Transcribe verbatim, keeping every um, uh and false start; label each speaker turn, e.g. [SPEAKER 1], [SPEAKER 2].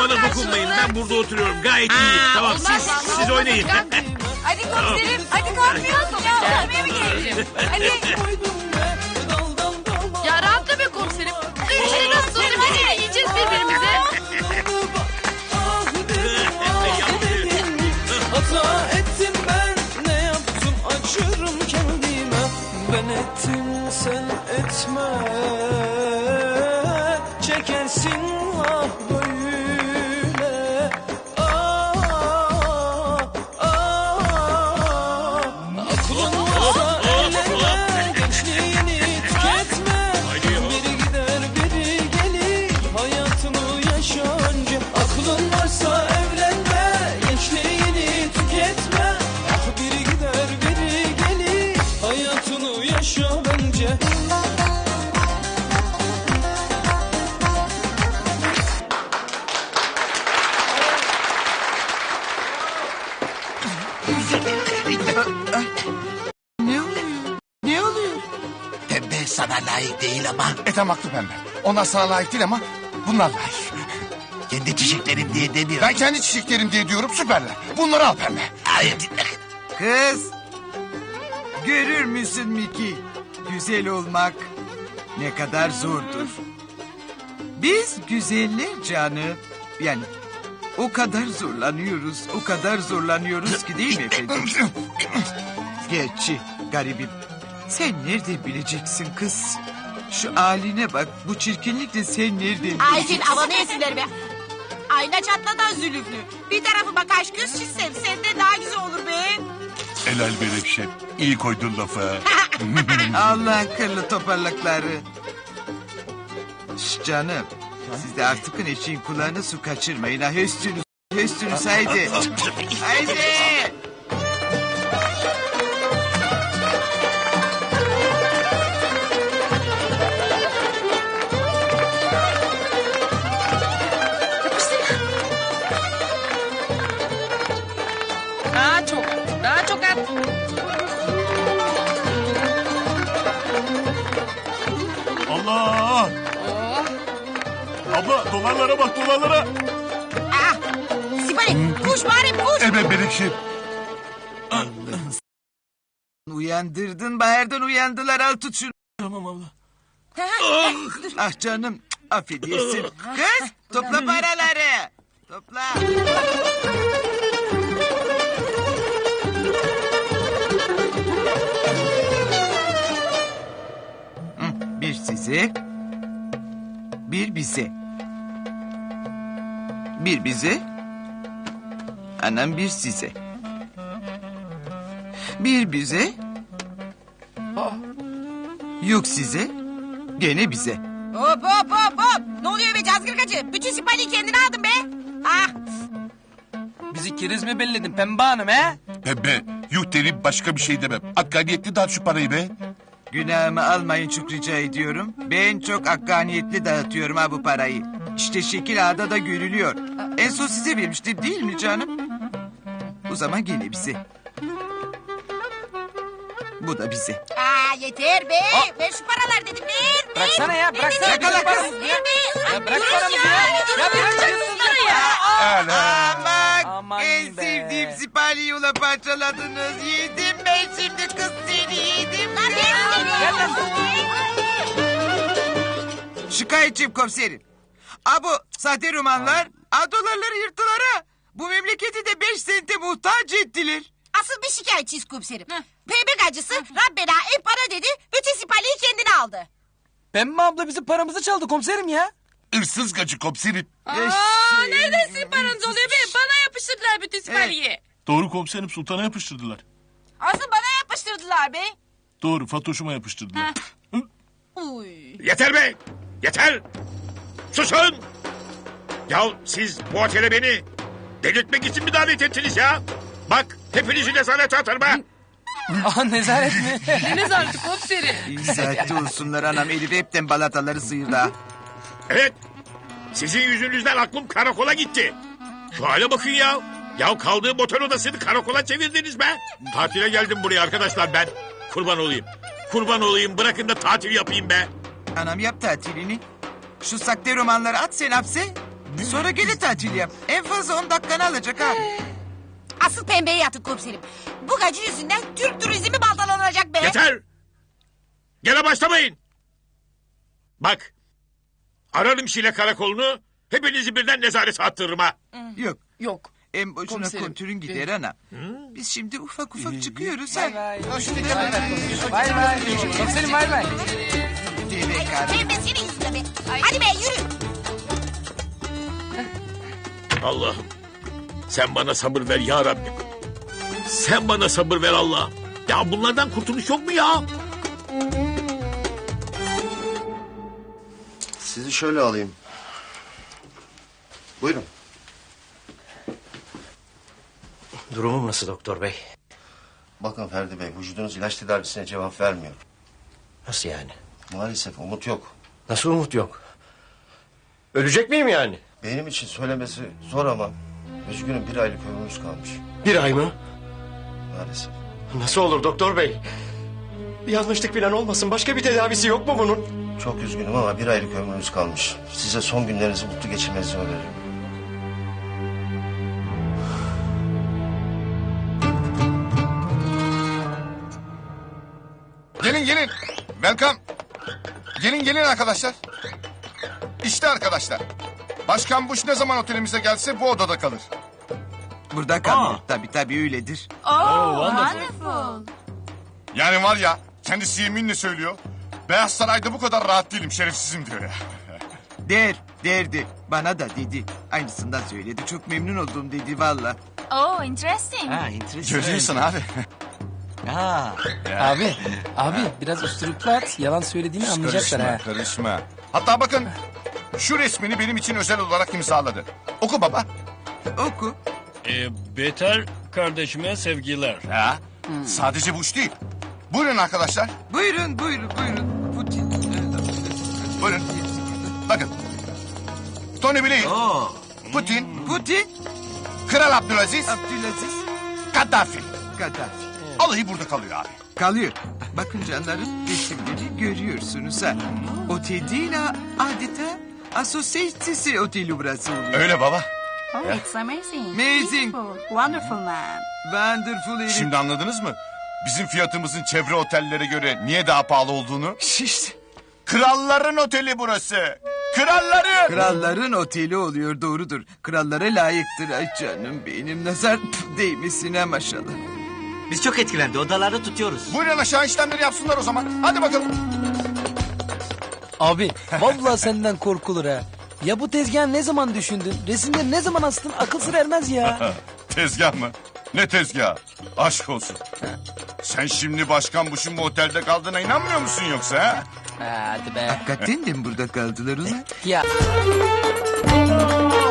[SPEAKER 1] bana dokunmayın. Ben burada oturuyorum. Gayet iyi. Tamam siz siz oynayın.
[SPEAKER 2] Hadi komiserim. Hadi kalkmayalım ya. Oturmaya mı gelelim? Hadi.
[SPEAKER 3] Ya rahatla be komiserim. İşte nasıl oldu? Hadi yiyeceğiz birbirimize.
[SPEAKER 4] Hata ettim ben, ne yaptım acırım kendime. Ben ettim sen etme, çekersin ah böyle. Ah, ah, aklın varsa eğlenme, gençliğini tüketme. Biri gider biri gelir, hayatını yaşa önce. Aklın varsa evlenme, gençliğini tüketme. Ah biri gider biri gelir, hayatını yaşa bence.
[SPEAKER 5] Ne oluyor? Ne oluyor?
[SPEAKER 6] Pembe sana layık değil ama
[SPEAKER 5] Ethem haklı pembe. Onlar sana layık değil ama bunlar layık.
[SPEAKER 6] kendi çiçeklerim diye demiyorum.
[SPEAKER 5] Ben kendi çiçeklerim diye diyorum süperler. Bunları al pembe.
[SPEAKER 6] Hayır dinle.
[SPEAKER 7] Kız, görür müsün Miki? Güzel olmak ne kadar zordur. Biz güzeller canı, yani o kadar zorlanıyoruz, o kadar zorlanıyoruz ki değil mi efendim? Gerçi garibim, sen nereden bileceksin kız? Şu haline bak, bu çirkinlikle sen nereden
[SPEAKER 3] Ay
[SPEAKER 7] bileceksin?
[SPEAKER 3] senin havanı yesinler be. Ayna çatladan zülüflü. Bir tarafıma kaş göz çizsem senden daha güzel olur be.
[SPEAKER 8] Helal be Refşet. İyi koydun lafı.
[SPEAKER 7] Allah'ın kırlı toparlakları. Şş canım, siz de artık eşeğin kulağına su kaçırmayın ha. Höstünüz, höstünüz haydi. Haydi.
[SPEAKER 2] Daha çok. Daha çok at.
[SPEAKER 8] Allah!
[SPEAKER 2] Oh.
[SPEAKER 8] Abla dolarlara bak dolarlara.
[SPEAKER 3] Ah, Sipali kuş bari kuş.
[SPEAKER 8] Evet Menekşe.
[SPEAKER 7] Uyandırdın, Bahar'dan uyandılar, al tut şunu.
[SPEAKER 8] Tamam abla.
[SPEAKER 7] Ah canım, affedersin. Kız, topla paraları. Topla. Hı, bir size, bir bize. Bir bize, anam bir size. Bir bize, yok size, gene bize.
[SPEAKER 3] Hop hop hop hop. Ne oluyor be cazgırgacı? Bütün Sipali'yi kendine aldın be. Ah.
[SPEAKER 4] Bizi keriz mi belledin Pembe Hanım he?
[SPEAKER 8] Pembe yuh derim başka bir şey demem. Hakkaniyetli dağıt şu parayı be.
[SPEAKER 7] Günahımı almayın çok rica ediyorum. Ben çok hakkaniyetli dağıtıyorum ha bu parayı. İşte şekil ağda da görülüyor. En son size vermiştim değil mi canım? O zaman gene bize. Bu da bize.
[SPEAKER 3] Aa yeter be. Ver şu paralar dedim ver. ver.
[SPEAKER 4] Bıraksana ya, bıraksana.
[SPEAKER 3] Ver, ver,
[SPEAKER 7] Bırak,
[SPEAKER 3] ver, ver, ver.
[SPEAKER 4] Ya bırak
[SPEAKER 3] Durun
[SPEAKER 4] paramızı ya.
[SPEAKER 3] durun
[SPEAKER 4] Ya bırak
[SPEAKER 3] şunları ya.
[SPEAKER 7] Aman,
[SPEAKER 4] Aman
[SPEAKER 7] en
[SPEAKER 4] be.
[SPEAKER 7] sevdiğim sipariyi ula parçaladınız. Yedim ben şimdi kız seni yedim.
[SPEAKER 3] Lan ver seni.
[SPEAKER 7] Şikayetçiyim komiserim. A bu sahte romanlar, a dolarları yırttılar ha. Bu memleketi de beş sente muhtaç ettiler.
[SPEAKER 3] Asıl bir şikayetçiyiz komiserim. Pembe gacısı Rabbena en para dedi. Bütün Sipali'yi kendine aldı.
[SPEAKER 4] Pembe abla bizim paramızı çaldı komiserim ya.
[SPEAKER 8] Hırsız gacı komiserim.
[SPEAKER 2] Aa, nereden sizin paranız oluyor be? Bana yapıştırdılar bütün Sipali'yi.
[SPEAKER 8] Doğru komiserim sultana yapıştırdılar.
[SPEAKER 3] Asıl bana yapıştırdılar be.
[SPEAKER 8] Doğru Fatoş'uma yapıştırdılar.
[SPEAKER 3] Uy.
[SPEAKER 1] Yeter be! Yeter! Susun! Ya siz bu otele beni delirtmek için mi davet ettiniz ya? Bak hepinizi nezarete atarım ha!
[SPEAKER 4] Aha nezaret mi?
[SPEAKER 2] Ne nezareti komiserim?
[SPEAKER 7] İyi saatte olsunlar anam. Elif hepten balataları sıyırdı ha.
[SPEAKER 1] Evet, sizin yüzünüzden aklım karakola gitti. Şu hale bakın ya. Ya kaldığım otel odasını karakola çevirdiniz be. Tatile geldim buraya arkadaşlar ben. Kurban olayım. Kurban olayım bırakın da tatil yapayım be.
[SPEAKER 7] Anam yap tatilini. Şu sakte romanları at sen hapse. Sonra geri tatil yap. En fazla on dakikanı alacak ha.
[SPEAKER 3] Asıl pembeye yatın komiserim. Bu gacı yüzünden Türk turizmi baltalanacak be.
[SPEAKER 1] Yeter! Gene başlamayın. Bak. Ararım Şile karakolunu. Hepinizi birden nezarete attırırım ha.
[SPEAKER 7] Yok.
[SPEAKER 2] Yok.
[SPEAKER 7] En boşuna
[SPEAKER 2] Komiserim.
[SPEAKER 7] kontürün gider ana. Biz şimdi ufak ufak çıkıyoruz ha.
[SPEAKER 2] Bay bay. Komiserim bay bay.
[SPEAKER 7] Deve karı.
[SPEAKER 3] Pembe senin yüzünden be. Hadi be yürü.
[SPEAKER 1] Allah'ım. Sen bana sabır ver ya Rabbim. Sen bana sabır ver Allah. Ya bunlardan kurtuluş yok mu ya?
[SPEAKER 9] Sizi şöyle alayım. Buyurun.
[SPEAKER 10] Durumum nasıl doktor bey?
[SPEAKER 9] Bakın Ferdi Bey, vücudunuz ilaç tedavisine cevap vermiyor.
[SPEAKER 10] Nasıl yani?
[SPEAKER 9] Maalesef umut yok.
[SPEAKER 10] Nasıl umut yok? Ölecek miyim yani?
[SPEAKER 9] Benim için söylemesi zor ama... ...üzgünüm bir aylık ömrümüz kalmış.
[SPEAKER 10] Bir ay mı?
[SPEAKER 9] Maalesef.
[SPEAKER 10] Nasıl olur doktor bey? Bir yanlışlık falan olmasın. Başka bir tedavisi yok mu bunun?
[SPEAKER 9] Çok üzgünüm ama bir aylık ömrümüz kalmış. Size son günlerinizi mutlu geçirmenizi öneririm.
[SPEAKER 5] Gelin gelin. Welcome. Gelin gelin arkadaşlar. İşte arkadaşlar. Başkan Bush ne zaman otelimize gelse bu odada kalır.
[SPEAKER 7] Burada kalıyor. Tabii tabii öyledir.
[SPEAKER 2] Oh, wonderful.
[SPEAKER 5] Yani var ya kendisi yeminle söylüyor. Beyaz Saray'da bu kadar rahat değilim şerefsizim diyor ya.
[SPEAKER 7] Der, derdi. Bana da dedi. Aynısından söyledi. Çok memnun oldum dedi valla.
[SPEAKER 2] Oh, interesting.
[SPEAKER 5] Görüyorsun abi.
[SPEAKER 11] Abi, abi biraz üstürüplü at. Yalan söylediğini anlayacaklar
[SPEAKER 5] Karışma,
[SPEAKER 11] ha.
[SPEAKER 5] karışma. Hatta bakın şu resmini benim için özel olarak imzaladı. Oku baba.
[SPEAKER 7] Oku.
[SPEAKER 12] Ee, Beter kardeşime sevgiler.
[SPEAKER 5] Ha? Sadece Bush değil. Buyurun arkadaşlar.
[SPEAKER 7] Buyurun, buyurun, buyurun. Putin.
[SPEAKER 5] Buyurun. Bakın. Tony Blair. Putin.
[SPEAKER 7] Putin.
[SPEAKER 5] Kral Abdülaziz.
[SPEAKER 7] Abdülaziz.
[SPEAKER 5] Kaddafi.
[SPEAKER 7] Kaddafi.
[SPEAKER 5] Alayı burada kalıyor abi.
[SPEAKER 7] Kalıyor. Bakın canlarım resimleri görüyorsunuz ha. Otel değil ha. Adeta asosyetesi oteli burası oluyor.
[SPEAKER 5] Öyle baba.
[SPEAKER 2] Oh, it's amazing.
[SPEAKER 7] Amazing.
[SPEAKER 2] Beautiful. Wonderful man.
[SPEAKER 7] Wonderful herif.
[SPEAKER 5] Şimdi anladınız mı? Bizim fiyatımızın çevre otellere göre niye daha pahalı olduğunu?
[SPEAKER 7] Şişt.
[SPEAKER 5] Kralların oteli burası. Kralların.
[SPEAKER 7] Kralların oteli oluyor doğrudur. Krallara layıktır. Ay canım benim nazar değmesine maşallah.
[SPEAKER 6] Biz çok etkilendi. Odalarda tutuyoruz.
[SPEAKER 5] Buyurun aşağı işlemleri yapsınlar o zaman. Hadi bakalım.
[SPEAKER 11] Abi, vallahi senden korkulur ha. Ya bu tezgahı ne zaman düşündün? Resimleri ne zaman astın? Akıl sır ermez ya.
[SPEAKER 5] Tezgah mı? Ne tezgah? Aşk olsun. Sen şimdi Başkan Bush'un bu otelde kaldığına inanmıyor musun yoksa ha?
[SPEAKER 11] Hadi be.
[SPEAKER 7] Hakikaten de mi burada kaldılar ulan?
[SPEAKER 11] Ya.